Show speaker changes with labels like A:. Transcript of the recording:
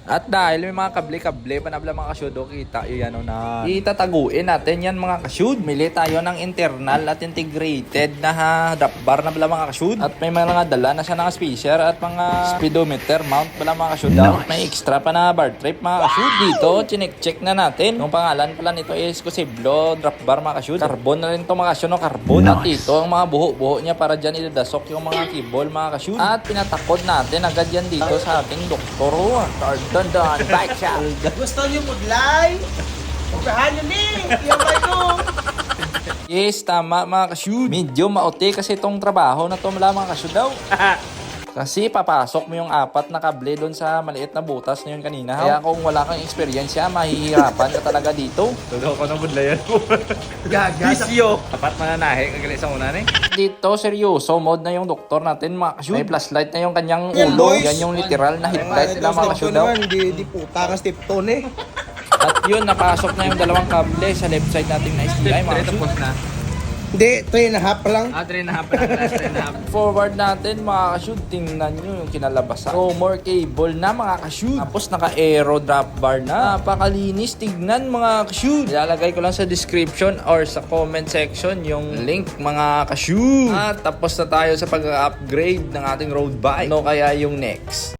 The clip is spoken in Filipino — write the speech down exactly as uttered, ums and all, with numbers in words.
A: At dahil may mga kable-kable pa na mga kasyud, o kita yun ano na itataguin natin yan mga kasyud. Mili tayo ng internal at integrated na ha, drop bar na pala mga kasyud. At may mga dala na siya ng spacer at mga speedometer mount pala mga kasyud. Nice. May extra pa na bar trip mga kasyud. Dito, chinek-check na natin. Yung pangalan pala nito is Kusiblo drop bar mga kasyud. Carbon na rin ito mga kasyud, no? Carbon. Nice. At ito ang mga buho-buho niya para dyan idadasok yung mga cable mga kasyud. At pinatakod natin agad yan dito sa ating doktor. Don Don, bike shop.
B: Gusto niyo mag-live? Upahan niyo ni! Yung bike ko!
A: Yes, tama mga kasyud. Medyo maote kasi itong trabaho na ito mula mga kasyud daw. Kasi papasok mo yung apat na kable doon sa maliit na butas na yun kanina. Kaya kung wala kang experience, mahihirapan ka talaga dito.
C: Tudo ko na budlayan mo.
B: Gaga!
C: Bisyo! Apat mananahe, kagalit sa una ni.
A: Dito, seryoso mode na yung doktor natin mga kasyud. May flashlight na yung kanyang
B: Yan,
A: ulo.
B: boys.
A: Yan yung literal na headlight nila mga kasyud daw.
B: Di, di puta ka step tone eh.
A: At yun, napasok na yung dalawang kable sa left side nating na S T I mga kasyud.
C: na.
B: Hindi, three and a half pa lang.
C: Ah, three and a half na. three and a half.
A: Forward natin mga kasyud, tingnan nyo yung kinalabasan. So more cable na mga kasyud. Tapos naka-aero drop bar na. Napakalinis, tignan mga kasyud. Ilalagay ko lang sa description or sa comment section yung link mga kasyud. At tapos na tayo sa pag-upgrade ng ating road bike. Ano kaya yung next?